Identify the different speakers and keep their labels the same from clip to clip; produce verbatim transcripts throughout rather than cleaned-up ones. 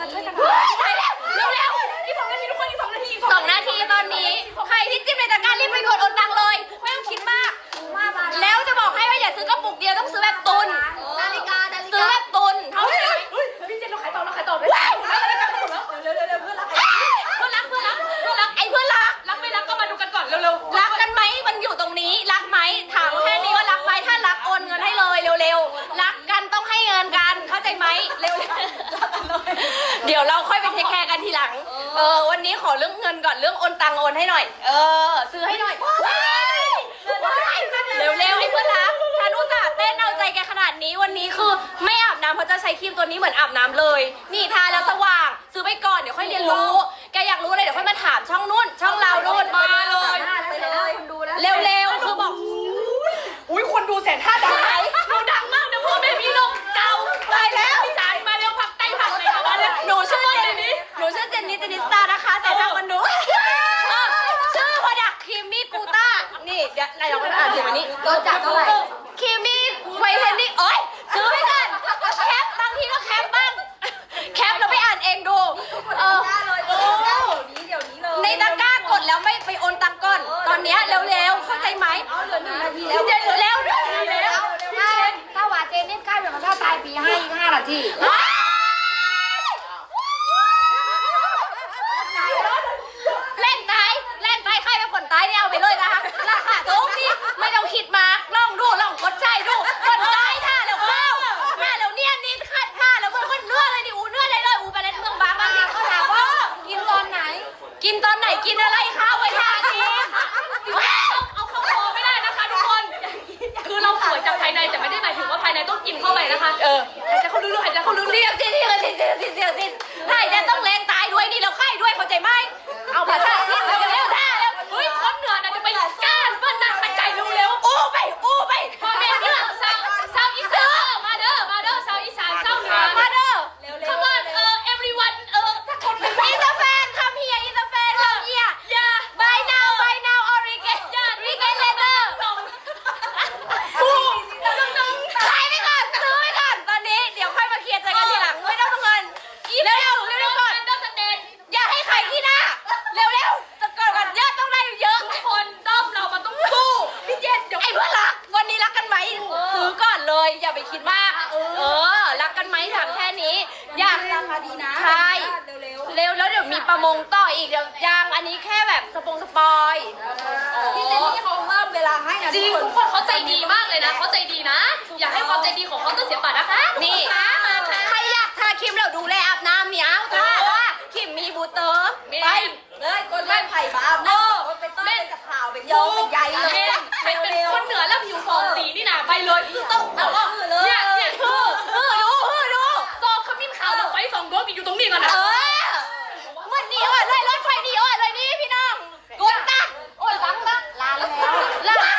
Speaker 1: มาช่วยกัน
Speaker 2: ไปแล้วเร็วเร็วอีกสองนาทีทุกคนอีกสองนาทีสองนาทีตอนนี้ใครที่จิ้มในตะกร้ารีบไปกดโอนตังเลยไม่ต้องคิดมากแล้วจะบอกให้ว่าอย่าซื้อกระปุกเดียวต้องซื้อแบบตุนนาฬิกาซื้อแบบตุนเท่านั้นพี่เจนเราขายต่อเราขายต่อไปแล้วเร็วเร็วเร็วเพื่อนรักเพื่อนรักเพื่อนรักเพื่อนรักไอ้เพื่อนรักรักไม่รักก็มาดูกันก่อนเร็วเร็วรักกันไหมมันอยู่ตรงนี้รักไหมถามแค่นี้ว่ารักไหมถ้ารักโอนเงินให้เลยเร็วๆรักกันต้องให้เงินกันเข้าใจไหมเร็วๆเดี๋ยวเราค่อยไปเทคแคร์กันทีหลังเออวันนี้ขอเรื่องเงินก่อนเรื่องโอนตังโอนให้หน่อยเออซื้อให้หน่อยเร็วๆไอ้เพื่อนรักฉันอุตส่าห์เต้นเอาใจแกขนาดนี้วันนี้คือไม่อาบน้ำเพราะจะใช้ครีมตัวนี้เหมือนอาบน้ำเลยนี่ทาแล้วสว่างซื้อไปก่อนเดี๋ยวค่อยเรียนรู้แกอยากรู้อะไรเดี๋ยวค่อยมาถามช่องนู้นช่องเราโน่นมาเลยเร็วๆคือบอกอุ้ยคนดูแสนห้าดังไหมดูดังมากนะพ่อแม่พี่ลงเก่าไปแล้วพี่สายมาเร็วพักไตพักไหนมาเร็วหนูชื่อเจนนี่หนูชื่อเจนนี่เจนนิสตานะคะแต่ทางมันดูชื่อพอดักครีมมี่กูต้านี่เดี๋ยวไหนลองไปอ่านดูอันนี้รสจัดเท่าไหร่ครีมมี่ไวท์เทนนิ่งโอ๊ยซื้อไปกันแคปบางทีก็แคปบ้างแคปแล้วไปอ่านเองดูเออในตะกร้ากดแล้วไม่ไปโอนตังก่อนตอนนี้เร็วๆเข้าใจไหมเอาเหลือหนึ่งนาทีแล้วเจนเร็วๆเร็วๆถ้าถ้าว่าเจนนี่ใกล้แบบถ้าตายปีให้อีกห้านาทีเล่นตายเล่นตายใครเป็นคนตายเนี่ยเอาไปเลยนะคะราคาถูกนี่ไม่ต้องคิดมาลองดูลองกดใจดูกดได้ท่าแล้วเข้าท่าแล้วเนี่ยนี่ขัดท่าแล้วมันก็เนื้อเลยดิอูเนื้อเลยเลยอูไปเล่นเมืองบางบางทีเขาถามว่ากินตอนไหนกินตอนไหนกินอะไรคะไว้ท่านี้เอาเข้าคอไม่ได้นะคะทุกคนคือเราสวยจากภายในแต่ไม่ได้หมายถึงว่าภายในต้องกินเข้าไปนะคะเออหายใจเข้าลึกๆหายใจเข้าลึกๆเสียงสิเสียงสิเสียงสิเสียงสิหายใจต้องแรงตายด้วยนี่เราไข้ด้วยเข้าใจไหมเอาภาษาที่เร็วเร็วท่าแล้วเฮ้ยคนเหนือน่ะจะไปก้านปั้นหนักหายใจเร็วๆอู้ไปอู้ไปพ่อแม่เด้อสาวสาวอีสานมาเด้อมาเด้อสาวอีสานสาวเหนือมาเด้อขมอนเออ everyone เออถ้าคนเป็นอินเตอร์แฟนคำเฮียอินเตอร์แฟนคำเฮียอย่า buy now buy now or regret อย่า regret later กูน้องๆขายไปก่อนซื้อไปก่อนตอนนี้เดี๋ยวค่อยมาเคลียร์ใจกันทีหลังไม่ต้องเงินเร็วๆเร็วๆก่อนอย่าให้ใครขี้หน้าเร็วๆจะเกิดกันเยอะต้องได้เยอะทุกคนด้อมเรามันต้องสู้พี่เจนเดี๋ยวไอ้เพื่อนรักวันนี้รักกันไหมซื้อก่อนเลยอย่าไปคิดมากเออรักกันไหมถามแค่นี้อยากราคาดีนะใช่เร็วแล้วเดี๋ยวมีประมงต่ออีกเดี๋ยวยางอันนี้แค่แบบสปงสปอยพี่เจนนี่เขาเพิ่มเวลาให้นะจริงทุกคนเขาใจดีมากเลยนะเขาใจดีนะอยากให้ความใจดีของเขาต้องเสียบาทนะคะนี่ใครอยากทาครีมเราดูแลอาบน้ำเหนียวทาว่าครีมมีบูเตอร์ไปเลยกดแม่ไผ่บ้าเออเป็นต้นเป็นกับข่าวเป็นยองเป็นใยเลยเป็นเป็นคนเหนือแล้วผิวสองสีนี่นะไปเลยต้องเอาว่าเนี่ยเนี่ยคือเออดูเออดูซองขมิ้นขาวกับไฟสองดวงมีอยู่ตรงนี้ก่อนนะเออเหมือนนี่อ่ะเลยรถไฟนี่อ่ะเลยนี่พี่น้องกดนะโอ้ยล้างนะล้างแล้วล้าง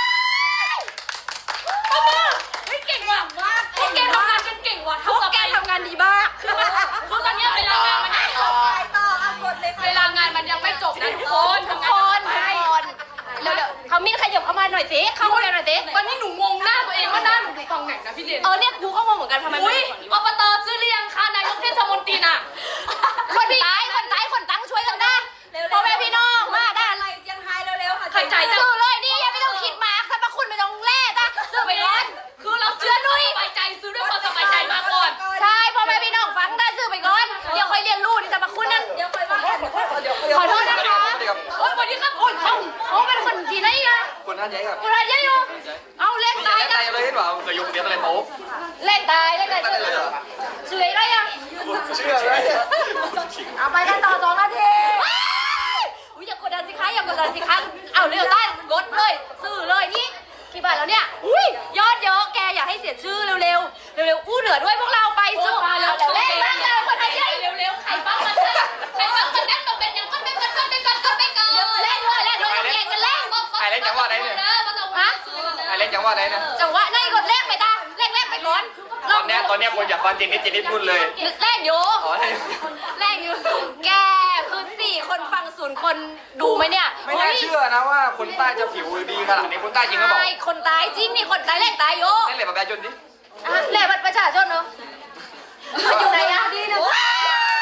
Speaker 2: พ่อมือไม่เก่งว่ะพวกแกทำงานกันเก่งว่ะพวกแกทำงานดีมากคือตอนนี้เวลางานมันไม่จบเวลางานมันยังไม่จบนะทุกคนทุกคนทุกคนเดี๋ยวเดี๋ยวเขามีขยับเข้ามาหน่อยสิเข้ามาหน่อยสิตอนนี้หนูงงหน้าตัวเองว่าหน้าหนูดูฟังไหนนะพี่เจนเออเนี่ยกูก็งงเหมือนกันทำไมอุ้ยอบตซื้อเรียงค่ะนายกเทศมนตรีน่ะคนตายคนตายคนตั้งช่วยกันได้พ่อแม่พี่น้องมาได้อะไรยังไฮเร็วๆค่ะใครใจซื้อเลยนี่ยังไม่ต้องคิดมาสรรพคุณไม่ต้องแล่นะซื้อไปร้อนคือเราเชื่อนุ้ยสบายใจซื้อด้วยความสบายใจมาก่อนใช่พ่อแม่พี่น้องฟังได้ซื้อไปก่อนเดี๋ยวค่อยเรียนรู้นี่สรรพคุณนั่นเดี๋ยวค่อยว่าขอโทษนะคะโอ้ยวันนี้ครับโอ้ยเขาเขาเป็นคนที่ไหนอะ
Speaker 3: คนท่านใหญ่ครับ
Speaker 2: คนท่านใหญ่อยู่เอาเล่นตายนะ
Speaker 3: เลยเห็นเปล่าเคยยกเดียวอะไรโป๊
Speaker 2: เล่นตายเล่นตายชื่อชื่ออะไรอะ
Speaker 3: เชื่อเลย
Speaker 2: เอาไปกันต่อสองนาทีอุ้ยอย่ากดดันสิคะอย่ากดดันสิคะเอาเร็วใต้กดเลยซื้อเลยนี่กี่บาทแล้วเนี่ยอุ้ยยอดเยอะแกอย่าให้เสียชื่อเร็วๆเร็วๆอู้เหนือด้วยพวกเราไปซื้อมาแล้วเล่นบ้างเลยคนไทยเร็วๆใครบ้างมันใครบ้างมันนั่งตรงเป็นยังก้นไปก้นก้นไปก้นก้นไปก้นเล่นด้วยเล่นด้วยเล่นกันเล่น
Speaker 3: ใครเล่นจังหวะไหนเนี่ย
Speaker 2: ฮะ
Speaker 3: ใครเล่นจังหวะไหนเนี่ย
Speaker 2: จังหวะไหนกดเล่นไปตาเล่นเล่นไปก่อน
Speaker 3: ตอนนี้ตอนนี้คนอยากฟังจริงนี่จริงนี่พูดเลย
Speaker 2: เล่นอยู่เล่นอยู่แกคือสี่คนฟังศูนย์คนดูไหมเนี่ย
Speaker 3: ไม่น่าเชื่อนะว่าคนใต้จะผิวดีขนาดนี้คนใต้จริงก็บอก
Speaker 2: ใช่คนตายจริงนี่คนตายเล่นตายโย
Speaker 3: เล่นเลยแบบประชาชนดิ
Speaker 2: เล่นบัตรประชาชนเนาะอยู่ไหนอะดีนะ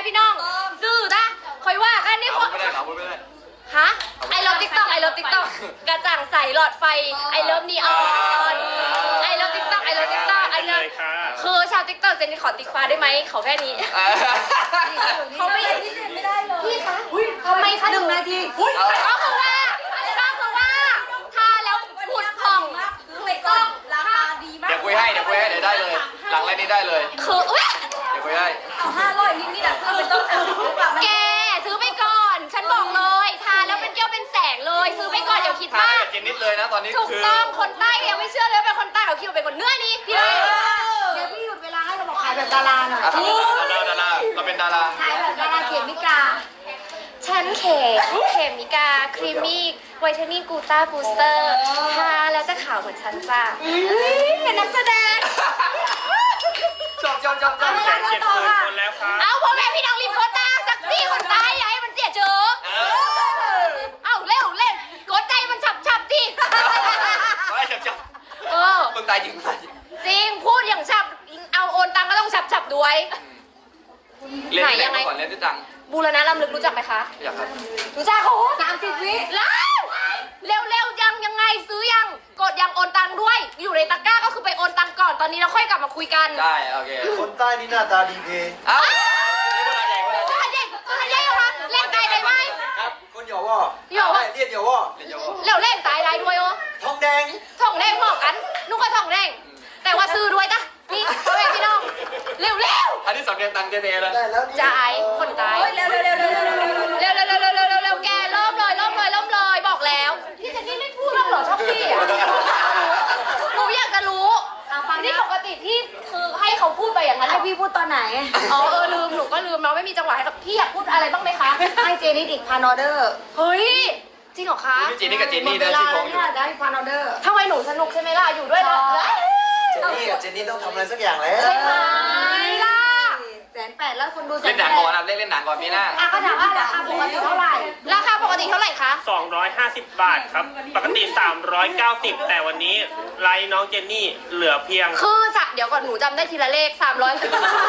Speaker 2: พี่น้องซื้อนะคอยว่ากันนี่ค
Speaker 3: เอา
Speaker 2: น
Speaker 3: ไม่ได้เอาไม่ได้
Speaker 2: ฮะไอเลิฟติ๊กต็อกไอเลิฟติ๊กต็อกกระจ่างใสหลอดไฟไอเลิฟนีออนไอเลิฟติ๊กต็อกไอเลิฟติ๊กต็อกไอเลิฟคือชาวติ๊กต็อกเจนนี่ขอติ๊กฟ้าได้ไหมขอแค่นี้เขาไม่ไม่ได้เลยพี่คะทำไมคะหนึ่งนาทีก็คือว่าก็คือว่าทาแล้วผุดผ่อง
Speaker 1: ไปก่อนราคาดีมาก
Speaker 3: เดี๋ยวคุยให้เดี๋ยวคุยให้เดี๋ยวได้เลย หลังไรนี้ได้เลย
Speaker 2: คืออุ้ย
Speaker 3: เดี๋ยวคุยให้
Speaker 1: เอาห้าร้อยนิดนี่แหละซื้อเป็นต้นสามสิบหรือเปล่า
Speaker 2: แกซื้อไปก่อน ฉันบอกเลยทาแล้วเป็นแก้วเป็นแสงเลย ซื้อไปก่อนเดี๋ยวคิด
Speaker 3: ทาน
Speaker 2: มา
Speaker 3: ให้
Speaker 2: ก
Speaker 3: กับเจนนิดเลยนะตอนนี้
Speaker 2: ถูก
Speaker 3: คือ
Speaker 2: ต้องคนใต้ยังไม่เชื่อเลยว่าเป็นคนใต้เขาคิดว่าเป็นคนเหนื้อนี่พี่เลย
Speaker 1: เดี๋ยวพี่หยุดเวลาให้เราบอกขายแบบดาราหน่อย
Speaker 3: อ่ะดาราดาราเราเป็นดารา
Speaker 1: ขายแบบดาราเขียนมิกา
Speaker 2: ฉันเขมเขมิกาครีมมี่ไวท์เทนนิ่งกูต้าบูสเตอร์ทาแล้วจะขาวเหมือนฉันจ้ะเป็นนักแสดง
Speaker 3: ชอบชอบชอบชอบ
Speaker 1: เอาเวลา
Speaker 4: เจ็ดหมื่นคนแล้วครับ
Speaker 2: เอาพ่อแม่พี่น้องรีบโคตาสักสี่คนตายอย่าให้มันเสียเจอ
Speaker 3: เออ
Speaker 2: เอาเร็วเร็วกดใจมันฉับฉับๆดิ
Speaker 3: ไม่ชอบชอบ
Speaker 2: เออ
Speaker 3: มึงตายจริงตายจริง
Speaker 2: จริงพูดอย่างฉับเอาโอนตังก็ต้องฉับฉับๆด้วย
Speaker 3: เรียนที่ไหนมาก่อนเรียนที่ตัง
Speaker 2: บูรณะลำลึกรู้จักไหมคะ
Speaker 3: อยากครับ
Speaker 2: รู้จักโอ้
Speaker 1: สามสิบวิ
Speaker 2: แล้วเร็วเร็วๆยังยังไงซื้อยังกดยังโอนตังด้วย อยู่ในตะกร้าก็คือไปโอนตังก่อนตอนนี้เราค่อยกลับมาคุยกัน
Speaker 3: ได้โอเค
Speaker 5: คนใต้นี่หน้าตาดีเพ
Speaker 3: เอ้านี่คนใหญ่คนใหญ่
Speaker 2: ตัวเด็กตัวใหญ่เหรอคะเล่นตายได้ไหม
Speaker 5: ครับคนหยอกว่า
Speaker 2: หยอกว่า
Speaker 5: เรียกหยอกว่า
Speaker 3: เรียนเยอะ
Speaker 2: เร็วเล่นตายได้ด้วยโอ้
Speaker 5: ทองแดง
Speaker 2: ท่องแดงพอกันนุ่งก็ท่องแดงแต่ว่าซื้อด้วยจ้ะนี่พ่อแม่พี่น้องเร็วเร็ว
Speaker 3: อันนี้สำเนียงตังเจเนเลย
Speaker 5: ได้แล้วนี่
Speaker 2: จ่ายคนตาย
Speaker 1: เร็วเร็วเร็วเร็วเร็วเร็วเร็ว
Speaker 2: เร็วเร็วเร็วเร็วเร็วเร็วเร็วแกเริ่มเลยเริ่มเลยเริ่มเลยบอกแล้วพี่เจนนี่ไม่พูดหรอกเหรอชอบพี่อ่ะหนูอยากจะรู้นี่ปกติพี่คือให้เขาพูดไปอย่างนั้น
Speaker 1: ให้
Speaker 2: เหรอ
Speaker 1: พี่พูดตอนไหน
Speaker 2: อ๋อเออลืมหนูก็ลืมเนาะไม่มีจังหวะให้กับพี่อยากพูดอะไรบ้างไหมคะ
Speaker 1: ให้เจนิดอีกพันออเดอร์
Speaker 2: เฮ้ยจริงเหรอคะ
Speaker 3: พี่จีนี่กับเจน
Speaker 1: หม
Speaker 3: นี่
Speaker 1: ดเว
Speaker 3: นะ
Speaker 1: ลา
Speaker 3: ชื่อข
Speaker 1: แล้
Speaker 3: อ
Speaker 1: ว
Speaker 3: งอยู่
Speaker 1: เนี่ยได้พันออเดอร์
Speaker 2: ทำไมหนูสนุกใช่ไหมล่ะอยู่ด้วยแล้ว
Speaker 5: เจนนี่กับเจนนี่ต้องทำอะไรสักอย่างแล้ว
Speaker 2: ใช่ไหมล่ะ
Speaker 1: แสนแปดแล้วคนดูแส
Speaker 3: เล่
Speaker 1: น
Speaker 3: นหนัง
Speaker 1: แป
Speaker 3: ก่อน
Speaker 1: ด
Speaker 3: นะเล่นเล่นหนังก่อนปีหน้า
Speaker 1: อ่ะก็ถามว่าราคาปกติเท่าไหร่
Speaker 2: ราคาปกติเท่าไหร่คะ
Speaker 4: สองร้อยห้าสิบบาทครับ ปกติ สามร้อยเก้าสิบ แต่วันนี้ไลน์น้องเจนนี่เหลือเพียง
Speaker 2: คือสักเดี๋ยวก่อนหนูจำได้ทีละเลขสามร้อย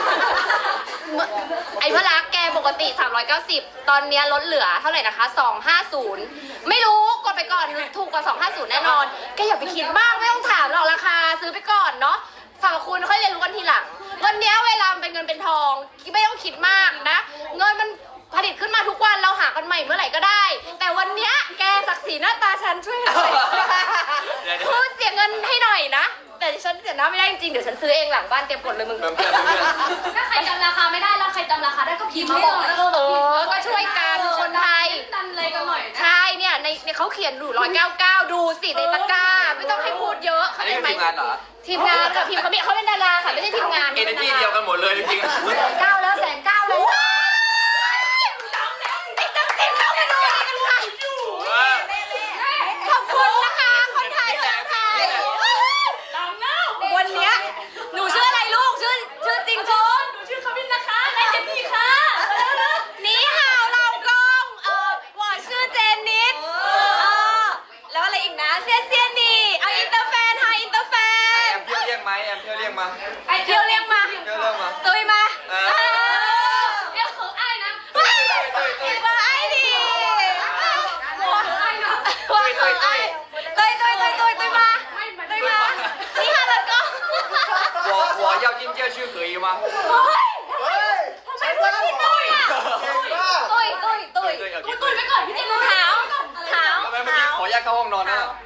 Speaker 2: ไอ้พระรักแกปกติสามร้อยเก้าสิบตอนเนี้ยลดเหลือเท่าไหร่นะคะสองห้าศูนย์ไม่รู้กดไปก่อนถูกกว่าสองห้าศูนย์แน่นอนแกอย่าไปคิดมากไม่ต้องถามหรอกราคาซื้อไปก่อนเนาะฝากคุณค่อยเรียนรู้กันทีหลังวันเนี้ยเวลามันเป็นเงินเป็นทองไม่ต้องคิดมากนะเงินมันผลิตขึ้นมาทุกวันเราหากันใหม่เมื่อไหร่ก็ได้ แต่วันเนี้ยแกศักดิ์ศรีหน้าตาฉันช่วยหน่อยคือเสียเงินให้หน่อยนะแต่ฉันเสียหน้าไม่ได้จริงๆเดี๋ยวฉันซื้อเองหลังบ้านเตรียมกดเลยมึง
Speaker 3: เพื่อนเพื่อนเพื่อน
Speaker 2: ถ้าใครจำราคาไม่ได้แล้วใครจำราคาได้ก็พิมพ์มาบอกนะเออก็ช่วยกันคนไทย
Speaker 1: ตันเลยกันหน่อย
Speaker 2: ใช่เนี่ยในในเขาเขียนอยู่ร้อยเก้าเก้าดูสิในตะกร้าไม่ต้องให้พูดเยอะ
Speaker 3: อั
Speaker 2: เข้าน ใจ
Speaker 3: นี้คือ
Speaker 2: ไหม
Speaker 3: ทีมงานเหรอ
Speaker 2: ทีมงานกับพิมพ์เขาไม่เขาเป็นดาราค่ะไม่ใช่ทีมงาน
Speaker 3: เอเนจีเดียวกันหมดเลยจริง
Speaker 1: แสนเก้าแล้วแสนเก้าเลย
Speaker 2: ติดตั้งติดเข้าไปดูอะไรกันค่ะ
Speaker 3: ๆ
Speaker 2: ขอบคุณนะคะคนไทยคนไทยวันเนี้ยหนูชื่ออะไรลูกชื่อชื่อจริงชื่อหนูชื่อคามินนะคะนายเจนนี่ค่ะนี่ห่าวเรากงเออหวอชื่อเจนนิดเออแล้วอะไรอีกนะเซียเซียนี่เอาอินเตอร์แฟนค่ะอินเตอร์แฟ
Speaker 3: แอน มเที่ยวเรียกไหมแอมเที่ยวเรียกมา
Speaker 2: ไปเที่ยวเรียกมา
Speaker 3: เที่ยวเรียกมา
Speaker 2: ตุยมา
Speaker 3: เออ
Speaker 2: เรียกของไอ้นะตุยมาไอ้ดิว่าไอ้นะว่าของไอ้ตุยตุยตุยตุยตุยมาตุยมานี่ค่ะแล้วก็
Speaker 3: 我我要进教区可以吗？
Speaker 2: เฮ้ยทำไมพูดที่ตุยอ่ะตุยตุยตุยตุยตุยไปก่อนพี่จิ๋วเท้าเท้า
Speaker 3: ทำไมเมื่อกี้ขอแยกเข้าห้องนอนนะ
Speaker 2: เ